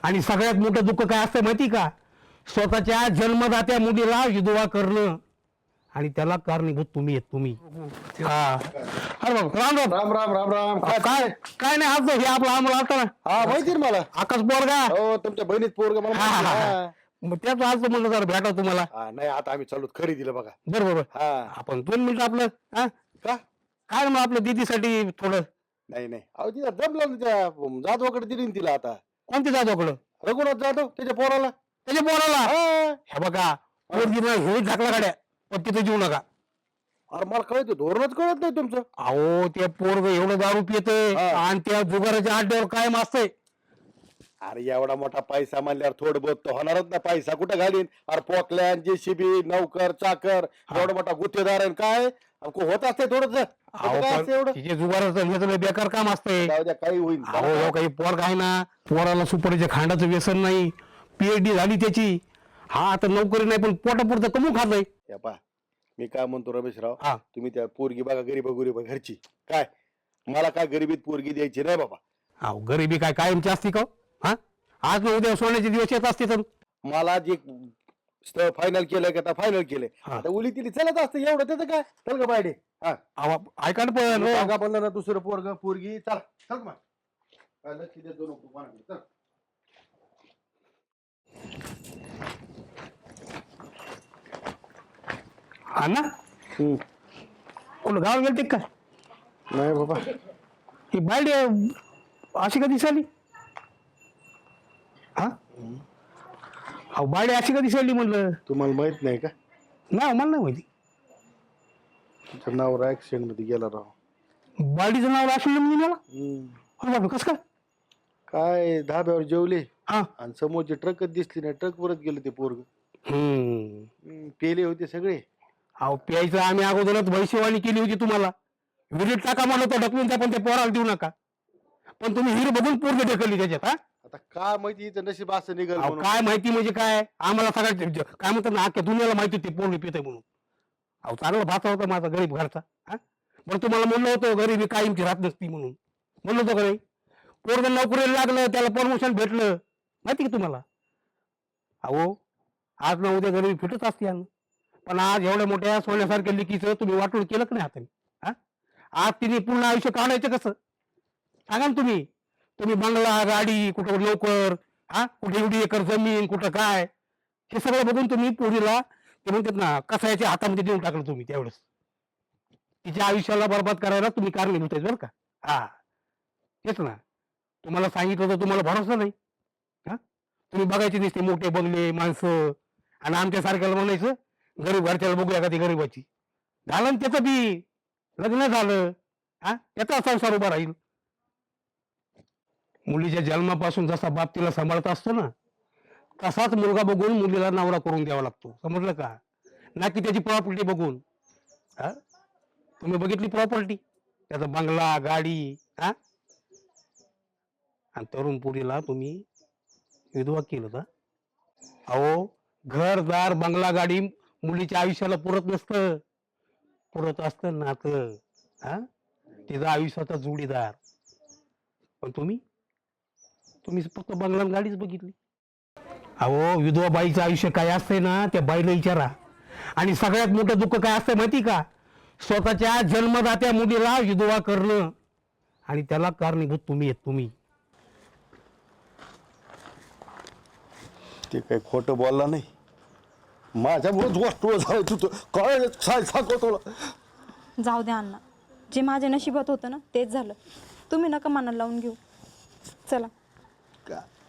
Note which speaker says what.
Speaker 1: आणि सगळ्यात मोठं दुःख काय असतं माहिती का? स्वतःच्या जन्मदात्या मुलीला विधवा करणं आणि त्याला कारणीभूत तुम्ही आहेत तुम्ही. हा अरे बाबा राम राम.
Speaker 2: राम राम राम राम.
Speaker 1: काय काय नाही आज हे आपलं आम्हाला आलता ना
Speaker 2: हा माहिती ना मला.
Speaker 1: आकाश पोरगा.
Speaker 2: हो तुमच्या बहिणीत पोरग मला माहिती आहे.
Speaker 1: मग त्याच आज म्हणलं जरा भेटा तुम्हाला.
Speaker 2: नाही आता आम्ही चालू खरेदीला बघा.
Speaker 1: बरोबर
Speaker 2: हा
Speaker 1: आपण 2 मिनिटं आपलं हा
Speaker 2: का
Speaker 1: काय मग आपलं दीदीसाठी थोडं.
Speaker 2: नाही नाही अहो तिला जमलं ना त्या जाधवाकडे दिली ना तिला आता.
Speaker 1: कोणते जाधवकडं?
Speaker 2: रघुनाथ जाधव त्याच्या पोराला.
Speaker 1: त्याच्या पोराला.
Speaker 2: हा.
Speaker 1: हे बघा पोरगीनं हे ढाकला गाड्या पण तिथे जीव नका.
Speaker 2: अरे मला कळत धोरणच कळत नाही तुमचं.
Speaker 1: अहो ते पोरग एवढं दारू पितंय
Speaker 2: हा.
Speaker 1: आणि त्या जुगाराच्या अड्ड्यावर कायम असतंय.
Speaker 2: अरे एवढा मोठा पैसा म्हणल्यावर थोडं बहुत तर होणारच ना. पैसा कुठं घालीन? अरे पोकल्यान जेसीबी नौकर चाकर एवढा मोठा गुत्तेदार आहे काय होत असते थोडस.
Speaker 1: अहो पण
Speaker 2: एवढं
Speaker 1: तिचे जुगाराचं हे सगळं बेकार काम असतंय.
Speaker 2: जाऊ द्या काही होईल.
Speaker 1: अहो हो काही पोर काय ना पोराला सुपारीच्या खांडाचं व्यसन नाही. PhD झाली त्याची. हा आता नोकरी नाही पण पोटापुरतं कमू खातोय.
Speaker 2: हे पहा मी काय म्हणतो रमेशराव.
Speaker 1: हा.
Speaker 2: तुम्ही त्या पोरगी बघा गरीब घरची काय मला काय गरिबीत पोरगी द्यायची नाही बाबा.
Speaker 1: अहो गरिबी काय कायमची असते का हो? हा आज न उद्या सोन्याचे दिवस येत असते तर.
Speaker 2: मला जे स्थळ फायनल केलंय का फायनल केलंय
Speaker 1: हा.
Speaker 2: आता उली तिली चलत असतं एवढं त्याचं काय. चल का बायडे. हा
Speaker 1: अहो ऐका ना पण हो.
Speaker 2: सांगा बनलं ना दुसरं पोरग पोरगी चला चल मग काय लक्ष देतो नको कोणाकडे. चल
Speaker 1: हा ना कोण गाव गेलते काय?
Speaker 2: नाही बाबा
Speaker 1: ही बायडे अशी कधी दिसाली? हा अहो बायडे अशी कधी दिसाली म्हणलं.
Speaker 2: तुम्हाला माहित नाही का
Speaker 1: नाही मला नाही माहिती.
Speaker 2: तुमचं नाव ऍक्सिडेंट मध्ये गेला राव.
Speaker 1: बायडीचं नाव राशन म्हणजे मला बाबा कसं काय?
Speaker 2: काय धाब्यावर जेवले
Speaker 1: हा
Speaker 2: आणि समोरची ट्रकच दिसली नाही. ट्रक परत गेलं ते पोरग.
Speaker 1: हम्म
Speaker 2: पेले होते सगळे.
Speaker 1: अहो प्यायचं आम्ही अगोदरच भविष्यवाणी केली होती तुम्हाला. विहिरीत टाका म्हणलं तर ढकलून त्या पण ते पोराला देऊ नका. पण तुम्ही हिर बघून पोरग ढकलली त्याच्यात. हा
Speaker 2: आता काय माहिती इथं नशीब असं निघाल
Speaker 1: अहो
Speaker 2: म्हणून.
Speaker 1: काय माहिती म्हणजे काय आम्हाला सगळ्या काय म्हणतात ना अख्ख्या दुनियाला माहिती होती पोरगी पिते म्हणून. अहो चांगला भाचा होता माझा गरीब घरचा. हा बरं तुम्हाला म्हणलं होतं गरीबी कायमची राहत नसती म्हणून म्हणलं होतं का नाही? पोरग नोकरीला लागलं त्याला प्रमोशन भेटलं माहिती का तुम्हाला? अहो आज ना उद्या गरीबी फिटत असते यानं. पण आज एवढ्या मोठ्या सोन्यासारख्या लिकीचं तुम्ही वाटून केलं का नाही हाताने? हा आज तिने पूर्ण आयुष्य काढायचं कसं सांगा ना तुम्ही. तुम्ही बंगला गाडी कुठं नोकर हा कुठे एवढी एकर जमीन कुठं काय हे सगळं बघून तुम्ही पोरीला ते म्हणतात ना कसायच्या हातामध्ये देऊन टाकलं तुम्ही त्यावेळेस. तिच्या आयुष्याला बरबाद करायला तुम्ही कारणीभूत आहेत बरं का. हा तेच ना तुम्हाला सांगितलं तर तुम्हाला भरोसा नाही. हा तुम्ही बघायचे दिसते मोठे बंगले माणसं आणि आमच्या सारख्याला म्हणायचं गरीब घरच्याला बघूया का ती गरीबाची. झालं ना त्याचं बी लग्न झालं. हा त्याचा संसार उभा राहील. मुलीच्या जन्मापासून जसा बाप तिला सांभाळत असतो ना तसाच मुलगा बघून मुलीला नवरा करून द्यावा लागतो. समजलं का? ना की त्याची प्रॉपर्टी बघून. हा तुम्ही बघितली प्रॉपर्टी त्याचा बंगला गाडी हा आणि तरुण पुरीला तुम्ही विधवा केलं का? अहो घरदार बंगला गाडी मुलीच्या आयुष्याला पुरत नसतं. पुरत असतं नातं. हा तिचा आयुष्याचा जोडीदार. पण तुम्ही फक्त बंगला गाडीच बघितली. अहो विधवा बाईचं आयुष्य काय असतंय ना त्या बाईला विचारा. आणि सगळ्यात मोठं दुःख काय असतंय माहिती का? स्वतःच्या जन्मदात्या मुलीला विधवा करणं आणि त्याला कारणीभूत तुम्ही आहेत तुम्ही.
Speaker 2: ते काही खोटं बोलला नाही. माझ्यामुळेच गोष्ट झाली. तू काय सांगतो.
Speaker 3: जाऊ द्या अण्णा. जे माझ्या नशिबात होतं ना तेच झालं. तुम्ही नका मनाला लावून घेऊ. चला.